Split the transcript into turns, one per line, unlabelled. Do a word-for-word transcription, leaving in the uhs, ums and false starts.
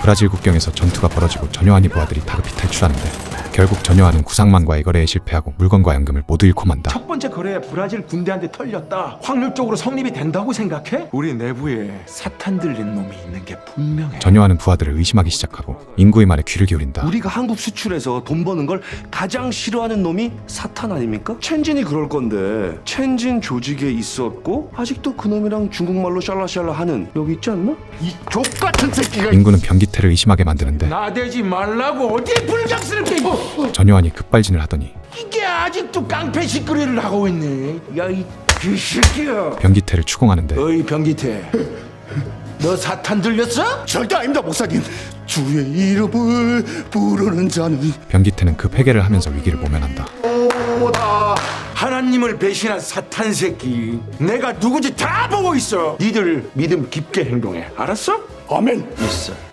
브라질 국경에서 전투가 벌어지고 전요한이 부하들이 다급히 탈출하는데 결국 전요한은 구상만과의 거래에 실패하고 물건과 연금을 모두 잃고 만다.
첫 번째 거래에 브라질 군대한테 털렸다. 확률적으로 성립이 된다고 생각해? 우리 내부에 사탄 들린 놈이 있는 게 분명해.
전요한은 부하들을 의심하기 시작하고 인구의 말에 귀를 기울인다.
우리가 한국 수출해서 돈 버는 걸 가장 싫어하는 놈이 사탄 아닙니까? 첸진이 그럴 건데 첸진 조직에 있었고 아직도 그놈이랑 중국말로 샬라샬라 하는 여기 있지 않나?
이 족같은 새끼가
인구는 변기태를 의심하게 만드는데
나대지 말라고 어디 불장스럽게 뭐
전요한이 급발진을 하더니
이게 아직도 깡패 시끄리를 하고 있네. 야 이 개새끼야.
변기태를 추궁하는데
어이 변기태, 너 사탄 들렸어?
절대 아닙니다 목사님. 주의 이름을 부르는 자는
변기태는 급 회개를 하면서 위기를 모면한다.
하나님을 배신한 사탄 새끼. 내가 누구지 다 보고 있어. 니들 믿음 깊게 행동해. 알았어?
아멘.
있어.